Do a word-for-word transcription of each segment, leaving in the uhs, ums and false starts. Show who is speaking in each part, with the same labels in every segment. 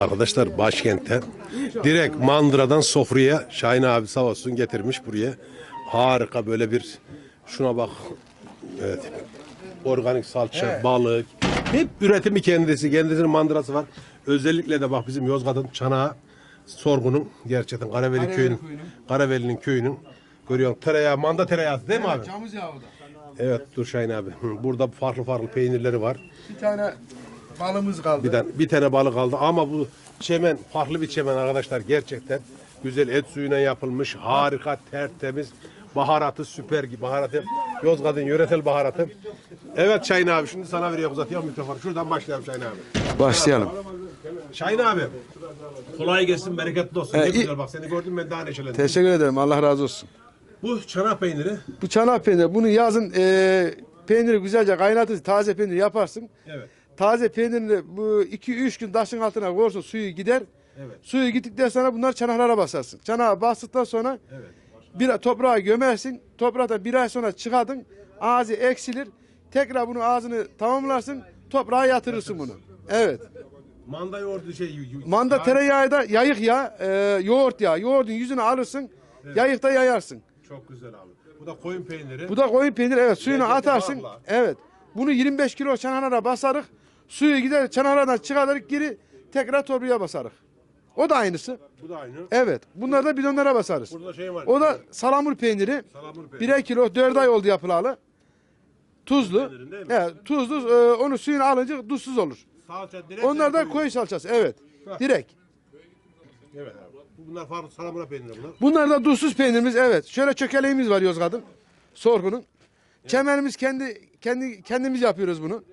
Speaker 1: Arkadaşlar başkentte direkt mandıradan sofraya Şahin abi sağ olsun getirmiş buraya. Harika böyle bir şuna bak. Evet. Organik salça, evet. Balık. Hep üretimi kendisi. Kendisinin mandırası var. Özellikle de bak bizim Yozgat'ın çanağı sorgunun gerçekten Karaveli, Karaveli köyünün Karaveli'nin köyünün görüyorsun tereyağı, manda tereyağı değil mi
Speaker 2: evet,
Speaker 1: abi?
Speaker 2: Camız yağı da.
Speaker 1: Evet dur Şahin abi. Burada farklı farklı peynirleri var.
Speaker 2: Bir tane balımız kaldı.
Speaker 1: Bir tane, bir tane balık kaldı ama bu çemen farklı bir çemen arkadaşlar gerçekten güzel et suyuna yapılmış harika tertemiz baharatı süper gibi baharatı Yozgat'ın yöresel baharatı. Evet Şahin abi şimdi sana veriyorum uzatıyorum mikrofonu şuradan başlayalım Şahin abi.
Speaker 3: Başlayalım.
Speaker 1: Şahin abi kolay gelsin bereketli olsun
Speaker 3: Ee,
Speaker 1: ne güzel bak seni gördüm ben daha neşelendim.
Speaker 3: Teşekkür ederim. Allah razı olsun.
Speaker 1: Bu çanak peyniri.
Speaker 3: Bu çanak peyniri. Bunu yazın e, peyniri güzelce kaynatırsın. Taze peynir yaparsın.
Speaker 1: Evet.
Speaker 3: Taze peynirini bu iki üç gün taşın altına koyarsun suyu gider.
Speaker 1: Evet.
Speaker 3: Suyu gittikten sonra bunlar çanaklara basarsın. Çanağa bastıktan sonra
Speaker 1: Evet.
Speaker 3: bir toprağa gömersin. Toprakta bir ay sonra çıkardın. Ağzı eksilir. Tekrar bunu ağzını tamamlarsın. Toprağa yatırırsın bunu. Evet.
Speaker 1: Manda yoğurdu şey.
Speaker 3: Manda
Speaker 1: yani,
Speaker 3: tereyağı da yayık yağı, e, yoğurt yağı. Yoğurdun yüzünü alırsın. Evet. Yayıkta yayarsın.
Speaker 1: Çok güzel abi. Bu da koyun peyniri.
Speaker 3: Bu da koyun peyniri evet suyunu
Speaker 1: Lezzeti
Speaker 3: atarsın.
Speaker 1: bağla.
Speaker 3: Evet. Bunu yirmi beş kilo çanağına basarık. Suyu gider çanağından çıkarırık geri tekrar torbaya basarık. O da aynısı.
Speaker 1: Bu da aynı.
Speaker 3: Evet. Bunları da bidonlara basarız.
Speaker 1: Burada şey var.
Speaker 3: O da salamur peyniri.
Speaker 1: Salamur peyniri.
Speaker 3: Birer kilo dört ay oldu yapılalı. Tuzlu.
Speaker 1: Peynirin değil mi?
Speaker 3: Evet, tuzlu. E, onu suyunu alınca tuzsuz olur.
Speaker 1: Salça direkt.
Speaker 3: Onlar da
Speaker 1: koyuyor.
Speaker 3: koyu salçası. Evet.
Speaker 1: Heh.
Speaker 3: Direkt.
Speaker 1: Evet abi. Bunlar farklı salamura peyniri bunlar.
Speaker 3: Bunlar da tuzsuz peynirimiz. Evet. Şöyle çökeleğimiz var Yozgat'ın. Sorgunun. Evet. Çemenimiz kendi kendi kendimiz yapıyoruz bunu.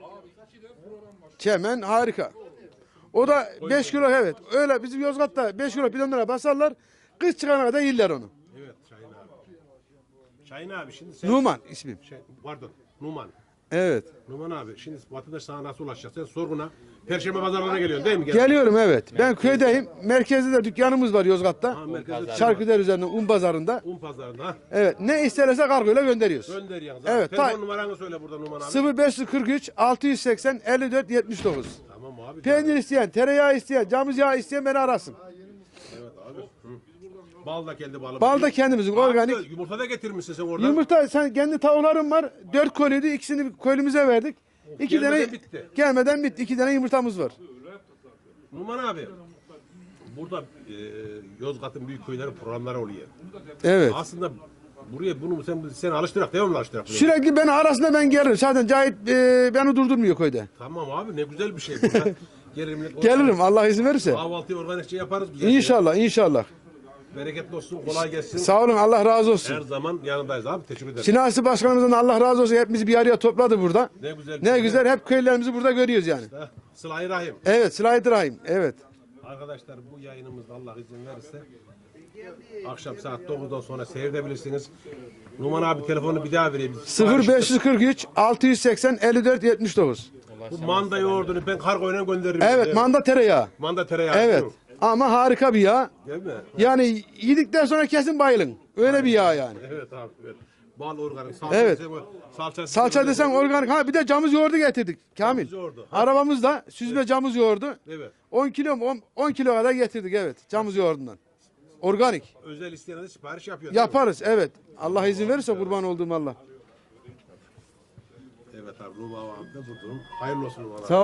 Speaker 3: Çemen harika. O da beş kilo evet. Öyle bizim Yozgat'ta beş kilo bidonlara basarlar. Kış çıkana kadar yiller onu.
Speaker 1: Evet Şahin abi. Şahin abi şimdi sen...
Speaker 3: Numan ismim.
Speaker 1: Şey, pardon Numan.
Speaker 3: Evet.
Speaker 1: Numan abi şimdi vatandaş sana nasıl ulaşacak? Sen sorguna Perşembe pazarlarına geliyorsun değil mi? Gel.
Speaker 3: Geliyorum evet. Ben köydeyim. Merkezde de dükkanımız var Yozgat'ta.
Speaker 1: Ha, merkezde
Speaker 3: Şarküder üzerinde un pazarında.
Speaker 1: Un pazarında. Ha.
Speaker 3: Evet. Ne isterse kargoyla gönderiyoruz.
Speaker 1: Gönder yalnız.
Speaker 3: Evet,
Speaker 1: Telefon
Speaker 3: ta-
Speaker 1: numaranı söyle burada Numan abi.
Speaker 3: sıfır beş kırk üç altı yüz seksen elli dört yetmiş dokuz.
Speaker 1: Tamam abi.
Speaker 3: Peynir isteyen, tereyağı isteyen, camız yağı isteyen beni arasın.
Speaker 1: Evet abi. Hı. Bal da kendi balı.
Speaker 3: Bal da kendimizin organik.
Speaker 1: Abi, yumurta da getirmişsin sen oradan.
Speaker 3: Yumurta sen kendi tavukların var. Dört koliydi. İkisini köylümüze verdik. İki
Speaker 1: Gelmeden
Speaker 3: tane
Speaker 1: bitti.
Speaker 3: gelmeden bitti. İki tane yumurtamız var.
Speaker 1: Numan abi. Burada e, Yozgat'ın büyük köyleri programları oluyor.
Speaker 3: Evet.
Speaker 1: Aslında buraya bunu sen sen alıştırak değil mi alıştırak?
Speaker 3: Sürekli beni arasında ben gelirim. Zaten Cahit e, beni durdurmuyor köyde.
Speaker 1: Tamam abi ne güzel bir şey bu. ya. Gelir millet.
Speaker 3: Gelirim Allah izin verirse.
Speaker 1: Kahvaltıyı organikçe yaparız. Güzel
Speaker 3: İnşallah inşallah.
Speaker 1: Bereketli olsun, kolay gelsin.
Speaker 3: Sağ olun Allah razı
Speaker 1: Her
Speaker 3: olsun.
Speaker 1: zaman yanındayız abi. Teşekkür ederim.
Speaker 3: Sinasi Başkanımızdan Allah razı olsun. Hepimizi bir araya topladı burada.
Speaker 1: Ne güzel.
Speaker 3: Ne güzel hep köylerimizi burada görüyoruz yani.
Speaker 1: Ha, Sıla-i Rahim.
Speaker 3: Evet Sıla-i Rahim. Evet.
Speaker 1: Arkadaşlar bu yayınımızda Allah izin verirse akşam saat dokuzdan sonra seyredebilirsiniz. Numan abi telefonu bir daha vereyim.
Speaker 3: sıfır beş kırk üç altı yüz seksen elli dört yetmiş dokuz.
Speaker 1: Bu manda yoğurdunu ben kargoyla gönderirim.
Speaker 3: Evet
Speaker 1: Değil mi?
Speaker 3: manda tereyağı.
Speaker 1: Manda tereyağı.
Speaker 3: Evet.
Speaker 1: değil mi?
Speaker 3: Ama harika bir yağ.
Speaker 1: Değil mi?
Speaker 3: Yani yedikten sonra kesin bayılın. Öyle bir yağ yani.
Speaker 1: Evet abi. Evet. Bal organik. Salça
Speaker 3: Evet.
Speaker 1: desen, salça,
Speaker 3: Salça desen organik. Ha bir de camız yoğurdu getirdik. Kamil.
Speaker 1: Camız yoğurdu. Ha.
Speaker 3: Arabamızda süzme camız yoğurdu.
Speaker 1: Evet.
Speaker 3: on kilo mu? on kilo kadar getirdik evet. Camız yoğurdundan. Organik.
Speaker 1: Özel isteyene de sipariş yapıyor. değil mi?
Speaker 3: Yaparız evet. Allah izin verirse kurban olduğum Allah.
Speaker 1: Evet abi. Numan abi de buldum. Hayırlı olsun Numan abi.
Speaker 3: Sağ